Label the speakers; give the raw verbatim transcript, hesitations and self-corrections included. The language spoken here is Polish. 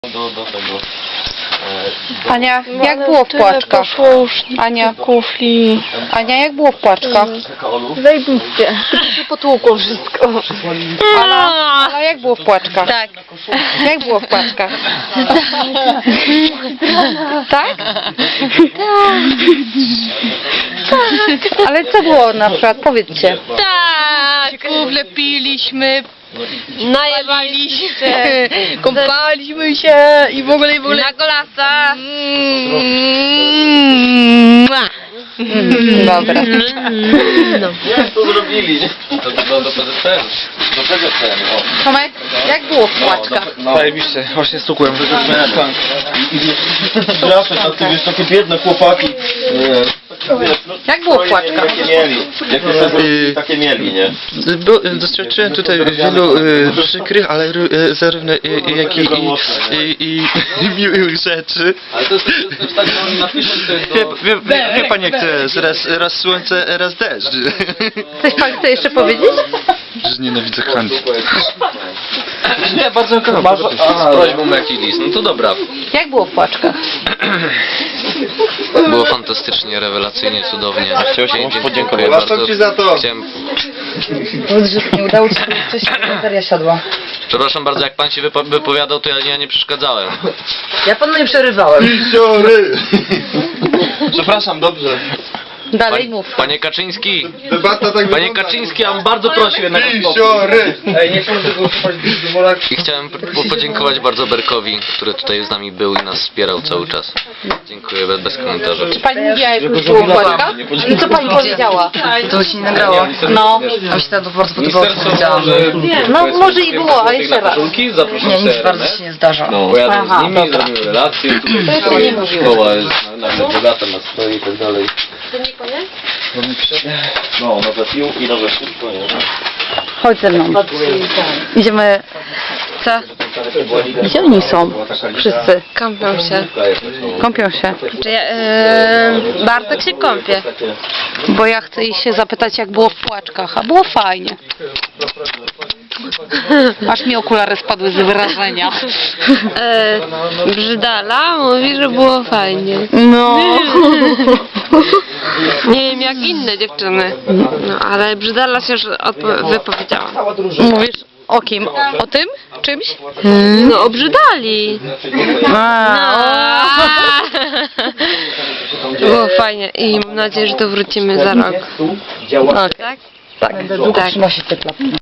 Speaker 1: Do, do tego. E, do...
Speaker 2: Ania,
Speaker 3: No,
Speaker 2: jak
Speaker 3: ale
Speaker 2: było w
Speaker 3: tyle
Speaker 2: płaczkach?
Speaker 3: poszło już
Speaker 2: Ania,
Speaker 3: kufli.
Speaker 2: Ania, jak było w płaczkach?
Speaker 1: Kakaolu?
Speaker 3: Zajebiście. Się potłukło wszystko.
Speaker 2: Ala, Ala, jak było w płaczkach?
Speaker 3: Tak.
Speaker 2: Jak było w płaczkach? Tak? Ale co było na przykład? Powiedzcie.
Speaker 3: Tak.
Speaker 4: Kufle piliśmy,
Speaker 3: Najebaliśmy
Speaker 4: się, kąpaliśmy się i w ogóle i w ogóle.
Speaker 3: na golasa.
Speaker 2: Mm, dobra.
Speaker 3: No.
Speaker 1: Jak to zrobili? Do, do, do P Z P R. Do tego C N. O.
Speaker 2: Tomek, jak było w płaczkach?
Speaker 1: No,
Speaker 5: Zajebiście, właśnie stukłem.
Speaker 1: Zawsze takie, wiesz, takie biedne chłopaki. Nie.
Speaker 2: Jak było w płaczkach?
Speaker 1: Takie mieli. Jak to sobie takie mieli, nie?
Speaker 5: Bo, doświadczyłem tutaj wielu y, przykrych, ale y, zarówno y, jak i, i, i, i miłych rzeczy.
Speaker 1: Ale to jest też tak, że oni napiszą to jest
Speaker 5: Wie,
Speaker 1: do...
Speaker 5: wie, wie, wie pan jak to jest, raz, raz słońce, raz deszcz.
Speaker 2: Coś pan chce jeszcze powiedzieć?
Speaker 5: Że nienawidzę handlu.
Speaker 1: Nie, bardzo bardzo. Z prośbą jaki list. No to dobra.
Speaker 2: Jak było w płaczkach?
Speaker 6: Było fantastycznie, rewelacyjnie, cudownie.
Speaker 1: Chciałem
Speaker 6: Dziękuję
Speaker 1: podziękować.
Speaker 6: bardzo.
Speaker 5: Ci za to.
Speaker 6: Chciałem...
Speaker 2: Powiedz, że nie udało ci się coś, bateria siadła.
Speaker 6: Przepraszam bardzo, jak pan się wypo wypowiadał, to ja, ja nie przeszkadzałem.
Speaker 2: Ja panu nie przerywałem.
Speaker 5: Siory! Przepraszam, dobrze.
Speaker 2: Dalej
Speaker 6: Pan,
Speaker 2: mów.
Speaker 6: panie Kaczyński,
Speaker 5: Debata tak
Speaker 6: panie Kaczyński, ja bym bardzo prosił jednak o spokój.
Speaker 5: Siory!
Speaker 6: I chciałem po podziękować bardzo Berkowi, który tutaj z nami był i nas wspierał cały czas. Dziękuję, bez, bez komentarzy.
Speaker 2: Czy pani mówiła, jak już było w płaczkach? I co pani powiedziała?
Speaker 7: To się nie nagrało.
Speaker 2: No.
Speaker 7: A mi się to po prostu podobało, co powiedziałam.
Speaker 2: No może i było, ale jeszcze raz.
Speaker 7: Nie, nic bardzo się nie zdarza.
Speaker 1: No, pojadę
Speaker 2: Aha,
Speaker 1: z nimi,
Speaker 2: dobra.
Speaker 1: zrobimy relacje. Tutaj
Speaker 2: To jeszcze nie mówiłem.
Speaker 1: szkoła jest nagle bogata na stoi i tak dalej.
Speaker 3: To nie koniec?
Speaker 1: No, nowe piłki, nowe wszystko, nie?
Speaker 2: Chodź ze mną. Idziemy. Co? Gdzie oni są? Wszyscy.
Speaker 3: Kąpią się.
Speaker 2: Kąpią się.
Speaker 3: Czy ja, e, Bartek się kąpie.
Speaker 2: Bo ja chcę ich się zapytać, jak było w płaczkach. A było fajnie. Aż mi okulary spadły z wrażenia.
Speaker 3: E, Brzydala mówi, że było fajnie.
Speaker 2: No.
Speaker 3: Nie wiem jak inne dziewczyny. No ale Brzydala się już wypowiedziała.
Speaker 2: Mówisz o kim? O tym? Czymś?
Speaker 3: No obrzydali.
Speaker 2: A,
Speaker 3: Było fajnie i mam nadzieję, że to wrócimy za rok.
Speaker 2: o.
Speaker 3: Tak?
Speaker 2: Tak.
Speaker 3: Tak.
Speaker 7: Trzyma się te klapki.